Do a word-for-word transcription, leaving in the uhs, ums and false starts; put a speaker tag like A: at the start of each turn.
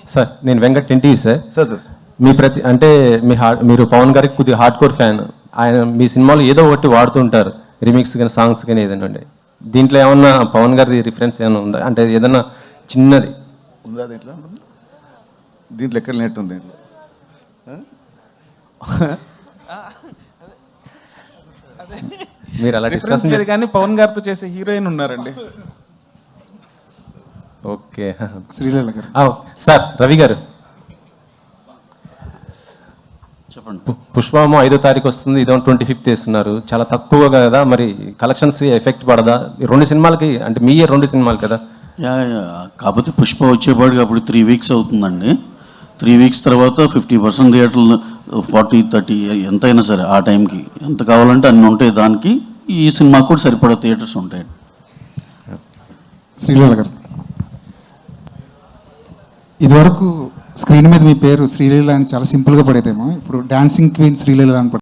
A: Sir నేను Venkat NTV sir.
B: Sir sir
A: మీ ప్రతి అంటే మీ హార్డ్ మీరు పవన్ గారికి కొద్దిగా హార్డ్ కోర్ ఫ్యాన్. ఆయన మీ సినిమాలో ఏదో ఒకటి వాడుతుంటారు, రిమిక్స్ కానీ సాంగ్స్ కానీ ఏదైనా ఉండే. దీంట్లో ఏమన్నా పవన్ గారిది రిఫరెన్స్ ఏమైనా ఉందా? అంటే ఏదన్నా చిన్నది
B: ఉందా దీంట్లో? దీంట్లో ఎక్కడ నెట్ ఉంది దీంట్లో?
A: మీరు అలా డిస్కస్
C: లేదు కానీ పవన్ గారితో చేసే హీరోయిన్ ఉన్నారండి.
A: ఓకే
D: శ్రీలీల గారు.
A: సార్ రవి గారు
E: చెప్పండి.
A: పుష్పము ఐదో తారీఖు వస్తుంది, ఇదో ట్వంటీ ఫిఫ్త్ వేస్తున్నారు, చాలా తక్కువ కదా, మరి కలెక్షన్స్ ఎఫెక్ట్ పడదా? రెండు సినిమాలకి అంటే మీ రెండు సినిమాలు కదా.
E: యా యా కాకపోతే పుష్ప వచ్చేపాటికి అప్పుడు త్రీ వీక్స్ అవుతుందండి. త్రీ వీక్స్ తర్వాత ఫిఫ్టీ పర్సెంట్ థియేటర్లు ఫార్టీ థర్టీ ఎంతైనా సరే ఆ టైంకి ఎంత కావాలంటే అన్ని ఉంటాయి. దానికి ఈ సినిమాకి కూడా సరిపడా థియేటర్స్ ఉంటాయి.
D: శ్రీలీల గారు, ఇదివరకు స్క్రీన్ మీద మీ పేరు శ్రీలీల అని చాలా సింపుల్గా పడేదేమో, ఇప్పుడు డాన్సింగ్ క్వీన్ శ్రీలీల అని